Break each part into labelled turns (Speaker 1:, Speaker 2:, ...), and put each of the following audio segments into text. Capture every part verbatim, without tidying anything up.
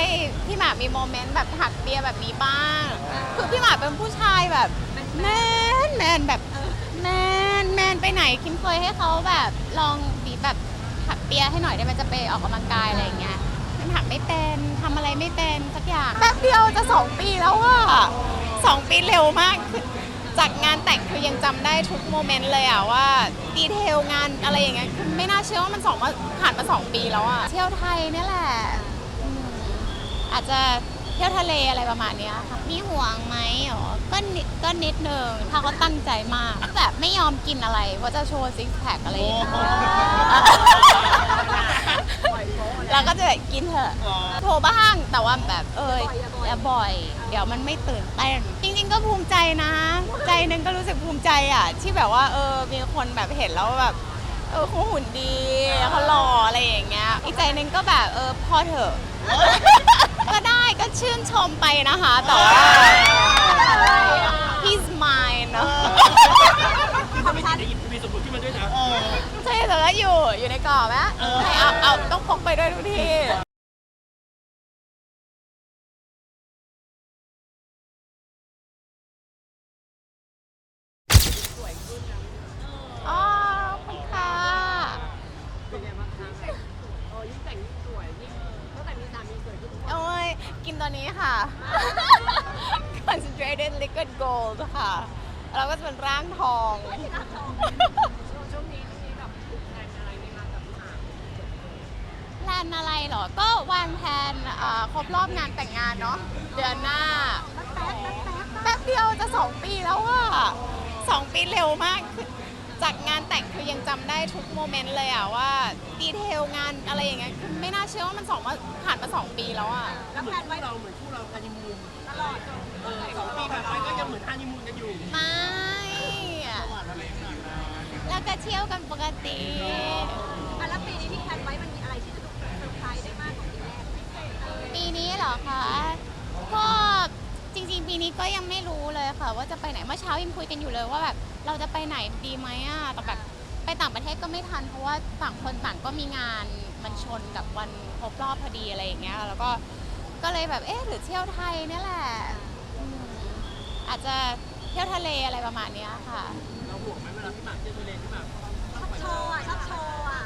Speaker 1: พี่หมากมีโมเมนต์แบบถักเปียแบบนี้บ้างคือพี่หมากเป็นผู้ชายแบบแมนแมนแบบแมนแมนไปไหนคิมเคยให้เขาแบบลองบีบแบบถักเปียให้หน่อยได้ไหมจะไปออกกำลังกายอะไรอย่างเงี้ยมันถักไม่เป็นทำอะไรไม่เป็นสักอย่างแป๊บเดียวจะสองปีแล้วอะสองปีเร็วมากคือจากงานแต่งคือยังจำได้ทุกโมเมนต์เลยอะว่าดีเทลงานอะไรอย่างเงี้ยคือไม่น่าเชื่อว่ามันสองมาผ่านมาสองปีแล้วอะเที่ยวไทยนี่แหละอืมอาจจะเที่ยวทะเลอะไรประมาณเนี้ยค่ะมีห่วงไหมอ๋อก็นิดก็นิดนึงถ้าเขาตั้งใจมากแบบไม่ยอมกินอะไรว่าจะโชว์ซิกแพคอะไรอย่างเงี้ยเราก็จะแบบกินเถอะโทรบ้างแต่ว่าแบบเอออย่าบ่อย เดี๋ยวมันไม่ตื่นเต้นจริงๆก็ภูมิใจนะ ใจนึงก็รู้สึกภูมิใจอ่ะที่แบบว่าเออมีคนแบบเห็นแล้วแบบเออเขาหุ่นดีเขาหล่ออะไรอย่างเงี้ยอีกใจนึงก็แบบเออพอเถอะก็ได้ก็ชื่นชมไปนะคะแต่ว่า he's mine เนอะ
Speaker 2: ถ้าไม่ติดได้หยิบทีวีสมบูรณ์ขึ้นมาด้วยนะ
Speaker 1: ใช่แต่ก็อยู่อยู่ในกรอบนะให้เอาเอาต้องพกไปด้วยทุกที่อ๋อขอบคุณค่ะ
Speaker 2: เป็นไงบ้างคะเออยิ่งแต่งยิ่งสวยยิ่งตั้งแต่มีสามีสวยขึ้นทุกวัน
Speaker 1: โอ้ยกินตัวนี้ค่ะ concentrated liquid gold ค่ะเราก็จะเป็นร่างทอง
Speaker 2: ช่วงนี้มีแบบแพลนอะไรไหมคะกับพี่หมาก
Speaker 1: แพลนอะไรเหรอ ก็วางแผนเอ่อครบรอบงานแต่งงานเนาะเดือนหน้าแป๊บเดียวจะสองปีแล้วอะสองปีเร็วมากคือจากงานแต่งคือยังจำได้ทุกโมเมนต์เลยอะว่าดีเทลงานอะไรอย่างเงี้ยคือไม่น่าเชื่อว่ามันสองมาผ่านมาสองปีแล้วอะ
Speaker 2: แล้วแพลนไว้เราเหมือนคู่เราฮันนีมูนตลอดเออสองปีผ่านไปก็ยังเหมือนฮันนีมูนกันอยู่
Speaker 1: ไม่แล้วก็เที่ยวกันปกติ
Speaker 3: อ่ะแล้วปีนี้ที่แพลนไว้มันมีอะไรที่จะต้องเซอร์ไพรส์ได้มากกว่าปีแรกไหม
Speaker 1: ปีนี้เหรอคะก็จริงๆ ปีนี้ก็ยังไม่รู้เลยค่ะ ว่าจะไปไหนเมื่อเช้ายังคุยกันอยู่เลยว่าแบบเราจะไปไหนดีไหมอ่ะแต่แบบไปต่างประเทศก็ไม่ทันเพราะว่าต่างคนต่างก็มีงานมันชนกับวันครบรอบพอดีอะไรอย่างเงี้ยแล้วก็ก็เลยแบบเอ๊ะหรือเที่ยวไทยเนี่ยแหละอืมอาจจะเที่ยวทะเลอะไรประมาณเนี้ยค่ะ
Speaker 2: เราห่วงไหมเวลาพี่หมากเที่ยวทะเลที่แบบ
Speaker 3: ชอบโชว์อ่ะชอบโชว์อ่ะ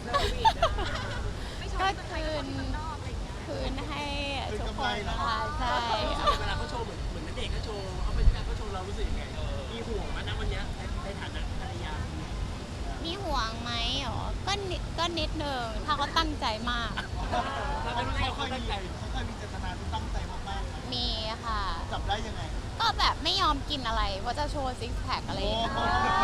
Speaker 3: ไม่โชว์
Speaker 1: ก็
Speaker 3: ที่เมืองไท
Speaker 1: คื
Speaker 3: ยก็โชว์
Speaker 1: น
Speaker 3: ที่เมืองนอกอะไรอย่างเงี้ย
Speaker 1: คืนให้ทุกคนนะคะใช่
Speaker 2: เวลาเขาโชว์เหมือนเหมือนนักเด็กเขาโชว์เขาเป็นการเขาโชว์เรารู้สึกยังไงมีห่วงไหมนะวันนี้ในฐานะภรรยา
Speaker 1: มีห่วงไหมอ๋อก็นิดก็นิดนึงถ้าเขาตั้งใจมาก
Speaker 2: เราไม่รู้ได้เขาตั้งใจ
Speaker 4: เขาเคยมีเจตนาที่ตั้งใจมากๆนะ
Speaker 1: มีค่ะ
Speaker 4: จับได้ยังไง
Speaker 1: ก็แบบไม่ยอมกินอะไรว่าจะโชว์ซิกแพคอะไรอย่างเงี้ย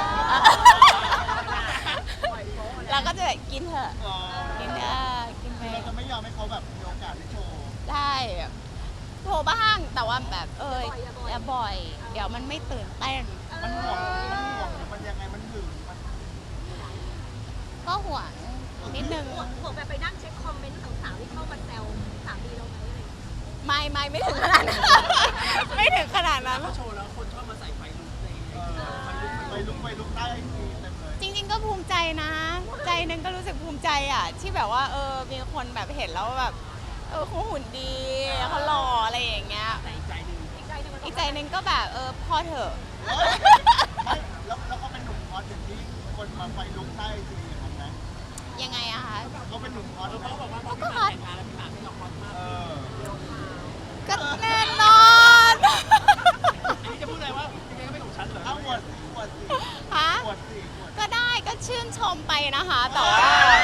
Speaker 1: เราก็จะแบบกินเถอะ
Speaker 4: อ๋อ
Speaker 1: กินเถอะกินไป
Speaker 4: คือเราจะไม่ยอมให้เขาแบบมีโอกาสได้โชว์
Speaker 1: ได้โทรบ้างแต่ว่าแบบเอออย่าบ่อย เดี๋ยวมันไม่ตื่นเต้น
Speaker 4: มันห่วง มันห่วงหรือมันยังไง มันหึงมัน
Speaker 1: ก็ห่วงนิดนึง
Speaker 3: ห่วงห่วงแบบไปนั่งเช็คคอมเมนต์สาวๆที่เข้ามาแซวสามีเราไหมอะไรอย่างเงี้ย
Speaker 1: ไม่ไม่ไม่ถึงขนาดนั้น ไม่ถึงขนาดนั้น
Speaker 2: เขาโชว์แล้วคนชอบมาใส่ไฟลุกใน
Speaker 4: เออไปลุกไปลุกได้ดีเต็มเลย
Speaker 1: จริงๆก็ภูมิใจนะ ใจนึงก็รู้สึกภูมิใจอ่ะที่แบบว่าเออมีคนแบบเห็นแล้วแบบเออเขาหุ่นดีเขาหล่ออะไรอย่างเงี้ย
Speaker 2: แต่อีกใจหนึ่ง
Speaker 3: อีกใจหนึงมัน
Speaker 1: อีกใจนึงก็แบบเออพอเถอะ
Speaker 4: ไม่แล้วแล้วเขาเป็นหนุ่มฮอตอย่างที่คนมาไฟลุกได้จริงอย่างนั้นนะ
Speaker 1: ยังไงอะคะ
Speaker 4: เขาเป็นหนุ่มฮอต
Speaker 2: เขา
Speaker 4: ไหม
Speaker 2: บอกว่าพอพี่หมากแต่งงานแล้วพี่หมากไม่ยอมฮอตมาก
Speaker 4: เออ
Speaker 1: ก็แน่นอน
Speaker 2: อันนี้จะพูดอะไรว่ายังไงก็ไม่ของฉันเหรอ
Speaker 4: เอาอวดสิอวดสิ
Speaker 1: ฮะ
Speaker 4: อวดสิอวด
Speaker 1: ก็ได้ก็ชื่นชมไปนะคะแต่ว่า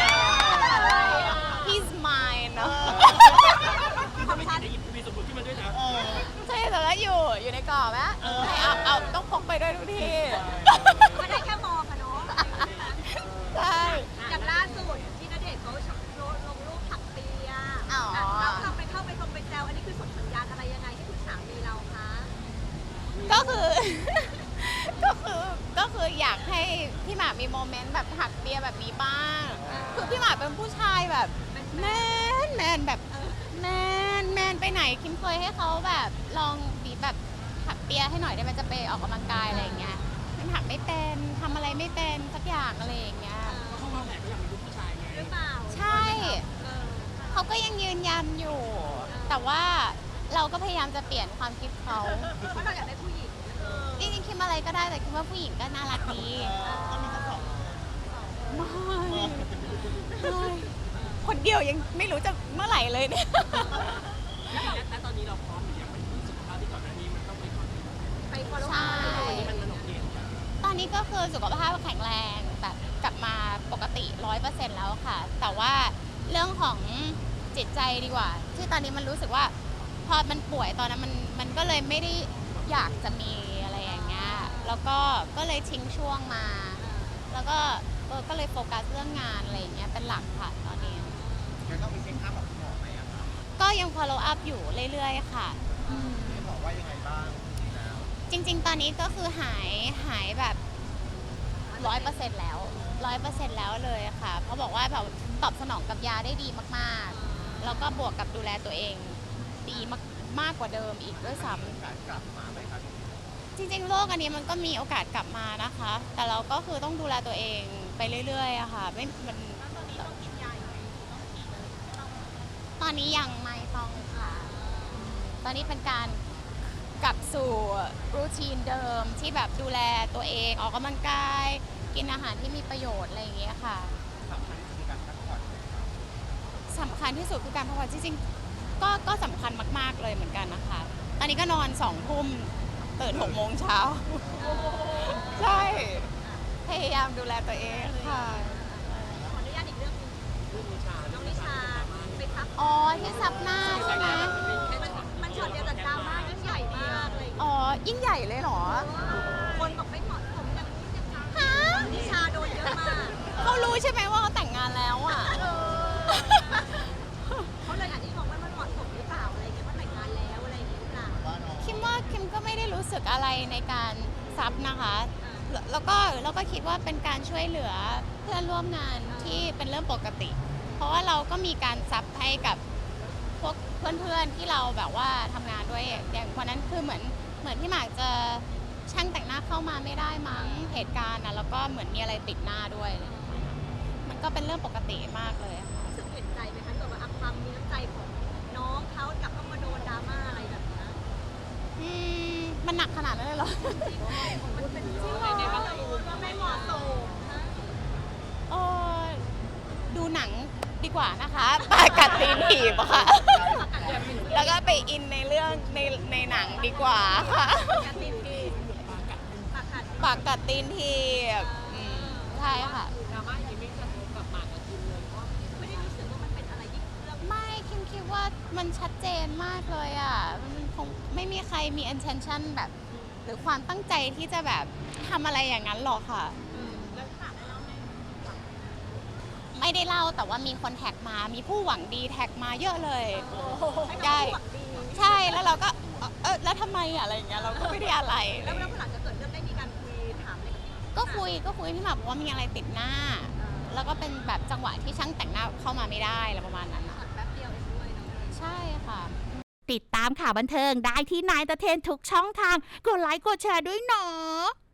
Speaker 1: he's mine เนอะ
Speaker 2: ถ้าไม่ติดได้หยิบทีวีสมบูรณ์ขึ้นมาด้วยนะ
Speaker 4: เออ
Speaker 1: ใช่แต่ก็อยู่อยู่ในกรอบนะให้เอาเอาต้องพกไปด้วยทุกที่
Speaker 3: ก็ได้แค่มองอะเนาะ
Speaker 1: ใช่
Speaker 3: อย่างล่าสุดที่ณเดชน์เขาลงลงรูปถักเปีย
Speaker 1: อ๋ออ่
Speaker 3: ะแล้วเราไปเข้าไปตรงไปแซวอันนี้คือส่งสัญญาณอะไรยังไงให้คุณสามีเราคะ
Speaker 1: ก็คือ ก็คือก็คืออยากให้พี่หมากมีโมเมนต์แบบถักเปียแบบนี้บ้างคือพี่หมากเป็นผู้ชายแบบแมนแมนแบบแมนแมนไปไหนคิมเคยให้เขาแบบลองบีบแบบถักเปียให้หน่อยได้ไหมจะไปออกกำลังกายอะไรอย่างเงี้ยมันถักไม่เป็นทำอะไรไม่เป็นสักอย่างอะไรอย่างเงี้ย
Speaker 2: เขาวางแผนไม่อยากมีลูกผู้ชายไง
Speaker 3: หรือเปล่า
Speaker 1: ใช่
Speaker 3: เออ
Speaker 1: เขาก็ยังยืนยันอยู่
Speaker 3: เออ
Speaker 1: แต่ว่าเราก็พยายามจะเปลี่ยนความคิดเขา
Speaker 3: เพราะเราอยากได้ผู้หญิงเออ
Speaker 1: จริงๆคิดอะไรก็ได้แต่คิดว่าผู้หญิงก็น่ารักดี
Speaker 4: ก็มีทั้งสอง
Speaker 1: ไม่ไม่คนเดียวยังไม่รู้จะเมื่อไหร่เลยเนี่ย
Speaker 2: และตอนนี้เราพร้อมหรือยังมันสุขภาพที่ก่อนหน้านี้มันต้องไปก่อน
Speaker 3: ไป follow
Speaker 1: ใช่
Speaker 3: up
Speaker 2: มันมันโอเค
Speaker 1: ตอนนี้ก็คือสุขภาพแข็งแรงแบบกลับมาปกติร้อยเปอร์เซ็นต์แล้วค่ะ แต่ว่าเรื่องของจิตใจดีกว่า ที่ตอนนี้มันรู้สึกว่า พอมันป่วยตอนนั้นมันมันก็เลยไม่ได้อยากจะมีอะไรอย่างเงี้ยแล้วก็ก็เลยทิ้งช่วงมา แล้วก็เออก็เลยโฟกัสเรื่องงานอะไรอย่างเงี้ยเป็นหลักค่ะตอนนี้
Speaker 4: แล้วต้องไปเช็คอัพกับคุณหมอไหมอะครับ
Speaker 1: ก็ยัง follow up อยู่เรื่อยๆค่ะอืม
Speaker 4: คุณหมอว่ายังไงบ้างแล้ว
Speaker 1: จริงๆ ตอนนี้ก็คือหายหายแบบร้อยเปอร์เซ็นต์แล้วร้อยเปอร์เซ็นต์แล้วเลยค่ะ เพราะบอกว่าแบบตอบสนองกับยาได้ดีมากๆ แล้วก็บวกกับดูแลตัวเองดีมากมากกว่าเดิมอีกด้วยซ้ำ
Speaker 4: การกลับมาไหมครับ
Speaker 1: จริงๆ โรคอันนี้มันก็มีโอกาสกลับมานะคะ แต่เราก็คือต้องดูแลตัวเองไปเรื่อยๆอะค่ะ ไม่ มันตอนนี้ต้องกินยาอยู่ตอนนี้ยังไม่ต้องค่ะ ตอนนี้เป็นการกลับสู่รูทีนเดิมที่แบบดูแลตัวเองออกกำลังกาย กินอาหารที่มีประโยชน์อะไรอย่างเงี้ยค่ะ
Speaker 4: สำคัญคือการพักผ่อนไหมครับ
Speaker 1: สำคัญที่สุดคือการพักผ่อนจริงๆ ก็ก็สำคัญมากๆเลยเหมือนกันนะคะ ตอนนี้ก็นอนสองทุ่มตื่นหกโมงเช้า ใช่ พยายามดูแลตัวเองค่ะ
Speaker 3: ขออนุญาตอีกเรื่องหนึง
Speaker 2: เรื่องนิชา
Speaker 3: น้องนิชาไปทับ
Speaker 1: อ๋อ ที่ซับหน้าใช่ไหม
Speaker 3: มันมันช็อตเดียวแต่ดราม่ายิ่งใหญ่มากเลย
Speaker 1: อ๋อ ยิ่งใหญ่เลยเหรอ
Speaker 3: คนบอกไม่เหมาะสมอย่างนี้อย่างนั้น
Speaker 1: ฮะ
Speaker 3: นิชาโดนเยอะมาก
Speaker 1: เขารู้ใช่ไหมว่าเขาแต่งงานแล้วอ่ะ
Speaker 3: เขาเลยอาจจะมองว่ามันเหมาะสมหรือเปล่าอะไรอย่างเงี้ยว่าแต่งงานแล้วอะไรอย่างเงี้ยหรือเปล่า
Speaker 4: ว่าน้อง
Speaker 1: คิมว่าคิมก็ไม่ได้รู้สึกอะไรในการซับนะคะ แล้วแล้วก็แล้วก็คิดว่าเป็นการช่วยเหลือเพื่อนร่วมงานที่เป็นเรื่องปกติ เพราะว่าเราก็มีการซับให้กับพวกเพื่อนๆที่เราแบบว่าทำงานด้วย อย่างคนนั้นคือเหมือนเหมือนที่หมากจะช่างแต่งหน้าเข้ามาไม่ได้มั้งเหตุการณ์นะแล้วก็เหมือนมีอะไรติดหน้าด้วยอะไรอย่างเงี้ยมันก็เป็นเรื่องปกติมากเลยค่ะ
Speaker 3: รู้สึกเห็นใจไหมคะที่แบบว่าอัพความมีน้ำใจของน้องเขากลับต้องมาโดนดราม่าอะไรแบบนี้
Speaker 1: อืมมันหนักขนาดนั้นเลยเหรอ
Speaker 3: มันเป็นจริงเหรอว่าไม่เหมาะสมนะ
Speaker 1: เออดูหนังดีกว่านะคะปากัดตีนถีบอะค่ะ แล้วก็ไปอินในเรื่องในในหนังดีกว่าค่ะ
Speaker 3: การตีพีปากกัด
Speaker 1: ปากกัดตีนถีบอืมใช่ค่ะ
Speaker 2: ดราม่าอย่างนี้ไม่กระทบกับหมากกับคิมเลยเพราะ
Speaker 3: ไม่ได้รู้สึกว่ามันเป็นอะไรยิ่งเรื่อง
Speaker 1: ไม่คิมคิดว่ามันชัดเจนมากเลยอ่ะ มันคงไม่มีใครมี intention แบบ หรือความตั้งใจที่จะแบบทำอะไรอย่างนั้นหรอกค่ะ
Speaker 3: แล้วถามได้แล้วไหม
Speaker 1: ไม่ได้เล่าแต่ว่ามีคนแท็กมา มีผู้หวังดีแท็กมาเยอะเลย ใช่ ใช่ แล้วเราก็ เอ่อเออแล้วทำไมอะอะไรอย่างเงี้ย เราก็ไม่ได้อะไร
Speaker 3: แล้วแล้วหลังจากเกิดเรื่องได้มีการคุยถามอะไรกับพี่
Speaker 1: ก็คุย ก็คุยพี่หมากบอกว่ามีอะไรติดหน้า แล้วก็เป็นแบบจังหวะที่ช่างแต่งหน้าเข้ามาไม่ได้อะไรประมาณนั้นอะ
Speaker 3: แป๊บเดียวเองด้วยเนาะ
Speaker 1: ใช่ค่ะ
Speaker 5: ติดตามข่าวบันเทิงได้ที่นายตะเทนทุกช่องทาง กดไลค์กดแชร์ด้วยเนาะ